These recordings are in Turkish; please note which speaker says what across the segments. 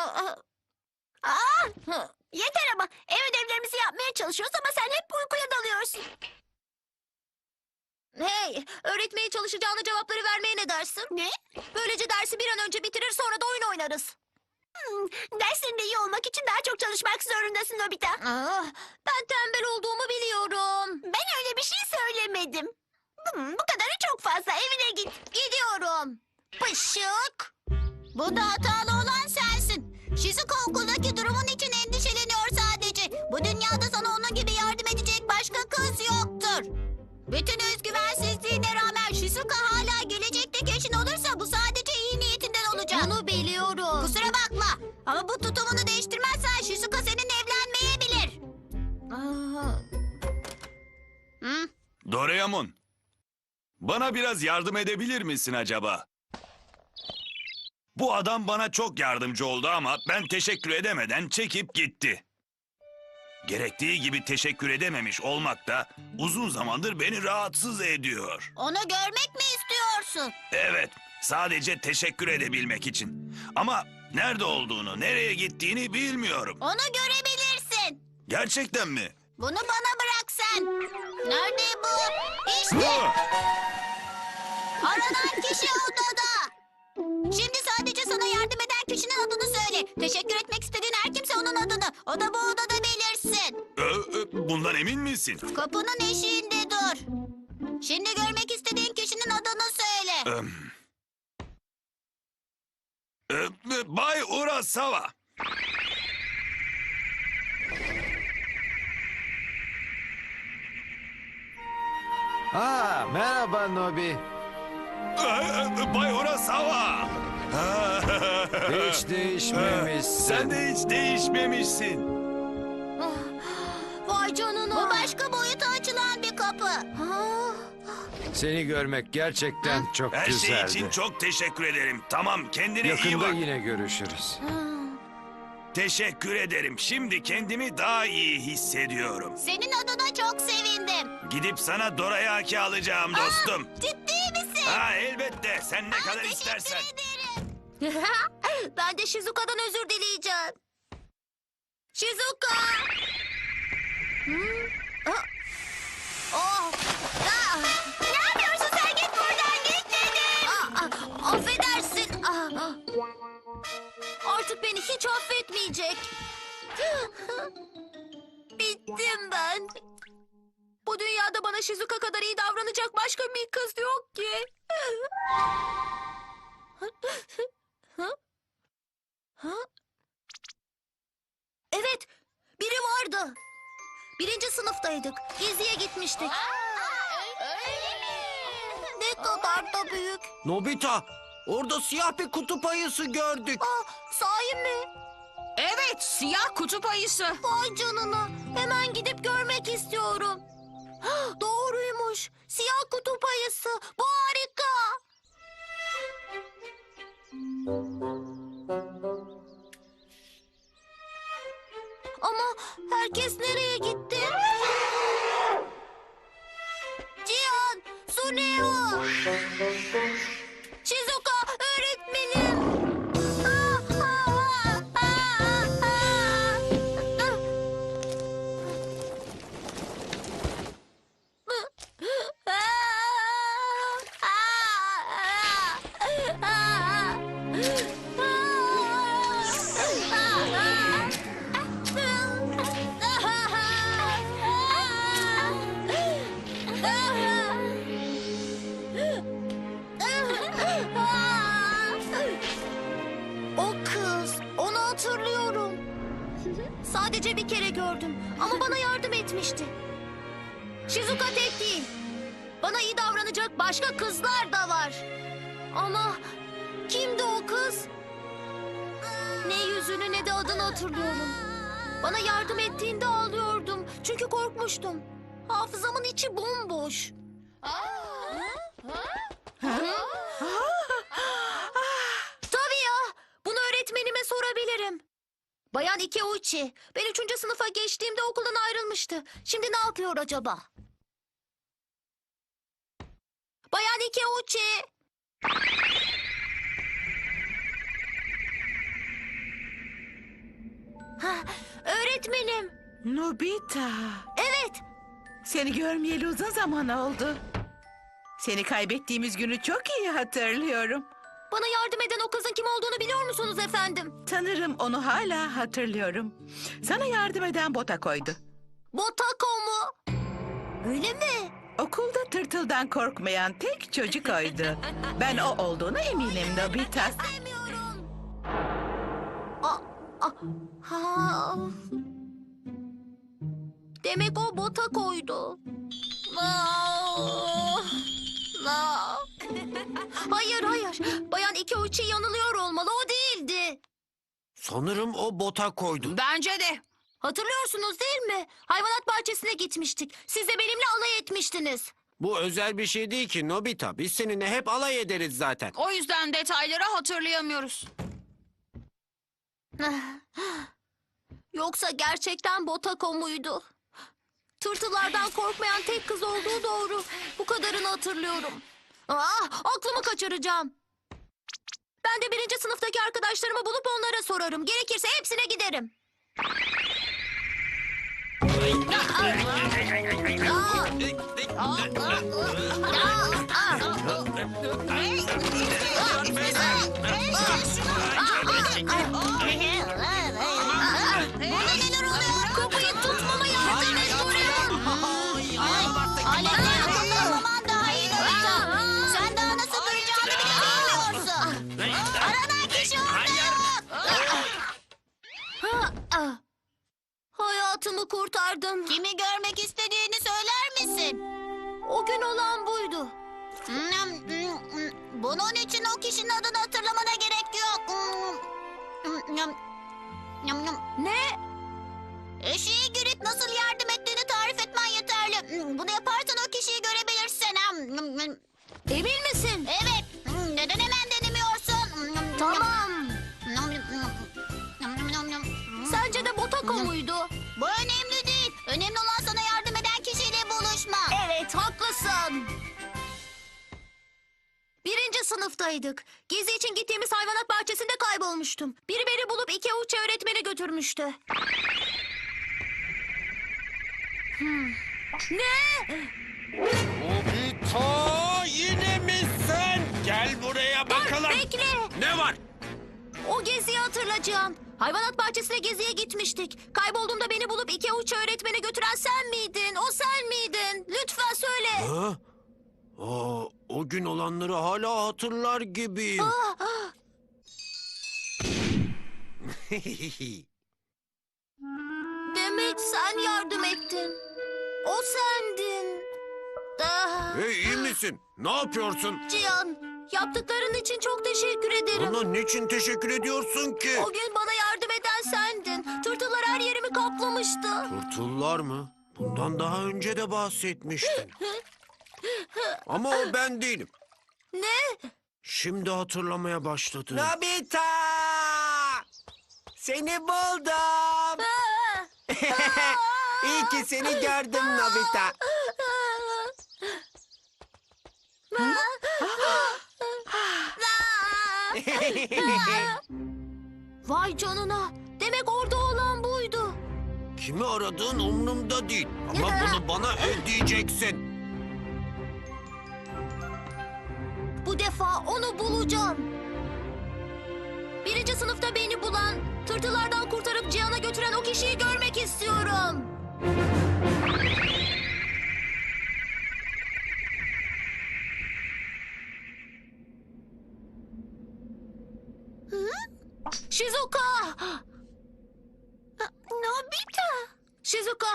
Speaker 1: Yeter ama. Ev ödevlerimizi yapmaya çalışıyoruz ama sen hep uykuya dalıyorsun. Hey, öğretmeye çalışacağına cevapları vermeye ne dersin? Ne? Böylece dersi bir an önce bitirir sonra da oyun oynarız. Derslerinde iyi olmak için daha çok çalışmak zorundasın Nobita. Ben tembel olduğumu biliyorum. Ben öyle bir şey söylemedim. Bu kadarı çok fazla. Evine git. Gidiyorum. Pışık. Bu da hatalı olan sensin. Shizuka okuldaki durumun için endişeleniyor sadece. Bu dünyada sana onun gibi yardım edecek başka kız yoktur. Bütün özgüvensizliğine rağmen Shizuka hala gelecekteki eşin olursa bu sadece iyi niyetinden olacak. Bunu biliyorum. Kusura bakma ama bu tutumunu değiştirmezsen Shizuka seninle evlenmeyebilir.
Speaker 2: Doraemon, bana biraz yardım edebilir misin acaba? Bu adam bana çok yardımcı oldu ama ben teşekkür edemeden çekip gitti. Gerektiği gibi teşekkür edememiş olmak da uzun zamandır beni rahatsız ediyor.
Speaker 1: Onu görmek mi istiyorsun?
Speaker 2: Evet, sadece teşekkür edebilmek için. Ama nerede olduğunu, nereye gittiğini bilmiyorum.
Speaker 1: Onu görebilirsin.
Speaker 2: Gerçekten mi?
Speaker 1: Bunu bana bırak sen. Nerede bu? İşte. Aranan kişi odada. Şimdi sadece sana yardım eden kişinin adını söyle. Teşekkür etmek istediğin her kimse onun adını. O da bu odada belirsin.
Speaker 2: Bundan emin misin?
Speaker 1: Kapının eşiğinde dur. Şimdi görmek istediğin kişinin adını söyle.
Speaker 2: Bay Urasawa.
Speaker 3: Merhaba Nobi.
Speaker 2: Bay Urasawa.
Speaker 3: Hiç değişmemişsin.
Speaker 2: Sen de hiç değişmemişsin.
Speaker 1: Vay canına. Bu başka boyuta açılan bir kapı.
Speaker 3: Seni görmek gerçekten çok
Speaker 2: Her
Speaker 3: güzeldi.
Speaker 2: şey için çok teşekkür ederim. Tamam, kendine iyi
Speaker 3: Yakında
Speaker 2: bak.
Speaker 3: yine görüşürüz.
Speaker 2: Teşekkür ederim. Şimdi kendimi daha iyi hissediyorum.
Speaker 1: Senin adına çok sevindim.
Speaker 2: Gidip sana dorayaki alacağım dostum.
Speaker 1: Ciddi misin?
Speaker 2: Ha, elbette. Sen ne kadar
Speaker 1: Teşekkür
Speaker 2: istersen.
Speaker 1: ederim. Ben de Shizuka'dan özür dileyeceğim. Shizuka! Ne yapıyorsun sen? Git buradan, git dedim. Affedersin. Artık beni hiç affetmeyecek. Bittim ben. Bu dünyada bana Shizuka kadar iyi davranacak başka bir kız yok ki. Evet, biri vardı. Birinci sınıftaydık. Geziye gitmiştik. Ne kadar da büyük.
Speaker 4: Nobita, orada siyah bir kutup ayısı gördük.
Speaker 1: Sahi mi?
Speaker 5: Evet, siyah kutup ayısı.
Speaker 1: Vay canına. Hemen gidip görmek istiyorum. Doğruymuş. Siyah kutup ayısı. Bu harika. Ama herkes nereye gitti? Cihan, Suneo, Shizuka, öğretmenim. O kız, onu hatırlıyorum. Sadece bir kere gördüm ama bana yardım etmişti. Shizuka tek değil. Bana iyi davranacak başka kızlar da var. Ama kimdi o kız? Ne yüzünü ne de adını hatırlıyorum. Bana yardım ettiğinde ağlıyordum. Çünkü korkmuştum. Hafızamın içi bomboş. Tabii ya. Bunu öğretmenime sorabilirim. Bayan Ikeuchi. Ben 3. sınıfa geçtiğimde okuldan ayrılmıştı. Şimdi ne yapıyor acaba? Bayan Ikeuchi. öğretmenim.
Speaker 6: Nobita,
Speaker 1: Evet.
Speaker 6: seni görmeyeli uzun zaman oldu. Seni kaybettiğimiz günü çok iyi hatırlıyorum.
Speaker 1: Bana yardım eden o kızın kim olduğunu biliyor musunuz efendim?
Speaker 6: Sanırım onu hala hatırlıyorum. Sana yardım eden Botako'ydu.
Speaker 1: Botako mu? Öyle mi?
Speaker 6: Okulda tırtıldan korkmayan tek çocuk oydu. Ben o olduğuna eminim Nobita.
Speaker 1: İstemiyorum. Ha. Demek o Botako'ydu. Hayır hayır. Bayan Ikeuchi yanılıyor olmalı. O değildi.
Speaker 4: Sanırım o bota koydu.
Speaker 5: Bence de.
Speaker 1: Hatırlıyorsunuz değil mi? Hayvanat bahçesine gitmiştik. Siz de benimle alay etmiştiniz.
Speaker 7: Bu özel bir şey değil ki Nobita. Biz seninle hep alay ederiz zaten.
Speaker 5: O yüzden detayları hatırlayamıyoruz.
Speaker 1: Yoksa gerçekten Botako muydu? Tırtılardan korkmayan tek kız olduğu doğru. Bu kadarını hatırlıyorum. Aklımı kaçıracağım. Ben de 1. sınıftaki arkadaşlarımı bulup onlara sorarım. Gerekirse hepsine giderim. Buna neler oluyor? Kapıyı tutmama yardım et Dorian. Aletleri kullanmaman daha iyi Nobita. Sen daha nasıl duracağını bile bilmiyorsun. Aranan kişi orada yok. Hayatımı kurtardın. Kimi görmek istediğini söyler misin? O gün olan buydu. Bunun için o kişinin adını hatırlamana gerek yok. Ne? Eşeğe girip nasıl yardım ettiğini tarif etmen yeterli. Bunu yaparsan o kişiyi görebilirsin. Emin misin? Evet. Neden hemen denemiyorsun? Tamam. Sence de Botako muydu? Bu önemli değil. Önemli olan sana yardım eden kişiyle buluşma. Evet, haklısın. 1. sınıftaydık. Gezi için gittiğimiz hayvanat bahçesinde kaybolmuştum. Biri beni bulup Ikeuchi öğretmeni götürmüştü. Ne?
Speaker 7: Nobita yine mi sen? Gel buraya bakalım.
Speaker 1: Bekle.
Speaker 7: Ne var?
Speaker 1: O geziyi hatırlayacağım. Hayvanat bahçesine geziye gitmiştik. Kaybolduğumda beni bulup Ikeuchi öğretmeni götüren sen miydin? O sen miydin? Lütfen söyle.
Speaker 7: Ha? O gün olanları hala hatırlar gibiyim.
Speaker 1: Demek sen yardım ettin. O sendin.
Speaker 7: Hey, iyi misin? Ne yapıyorsun?
Speaker 1: Cihan, yaptıkların için çok teşekkür ederim.
Speaker 7: Bana niçin teşekkür ediyorsun ki?
Speaker 1: O gün bana yardım eden sendin. Tırtıllar her yerimi kaplamıştı.
Speaker 7: Turtullar mı? Bundan daha önce de bahsetmiştin. Ama o ben değilim.
Speaker 1: Ne?
Speaker 7: Şimdi hatırlamaya başladım.
Speaker 4: Nobita! Seni buldum. İyi ki seni gördüm Nobita.
Speaker 1: Vay canına. Demek orada olan buydu.
Speaker 7: Kimi aradığın umurumda değil. Ama bunu bana ödeyeceksin.
Speaker 1: Bu defa onu bulacağım. 1. sınıfta beni bulan, tırtılardan kurtarıp Cihan'a götüren o kişiyi görmek istiyorum. Shizuka! Nobita! Shizuka!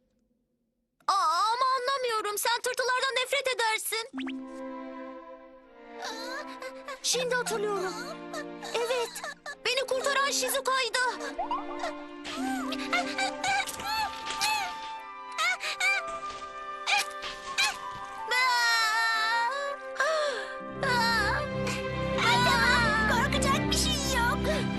Speaker 1: Ama anlamıyorum. Sen tırtılardan nefret edersin. Şimdi hatırlıyorum. Evet, beni kurtaran Shizuka'ydı. Korkacak bir şey yok.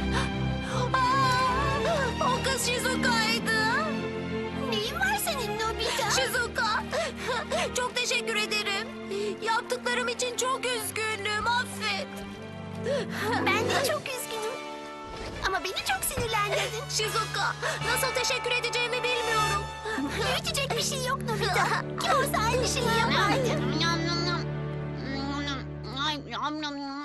Speaker 1: O kız Shizuka'ydı. Neyin var senin Nobita? Shizuka, çok teşekkür ederim. Yaptıklarım için çok üzgünüm, affet. Ben de çok üzgünüm. Ama Beni çok sinirlendirdin. Shizuka, nasıl teşekkür edeceğimi bilmiyorum. Büyütecek bir şey yok Nobita. Kim olsa aynı şeyi yapardı.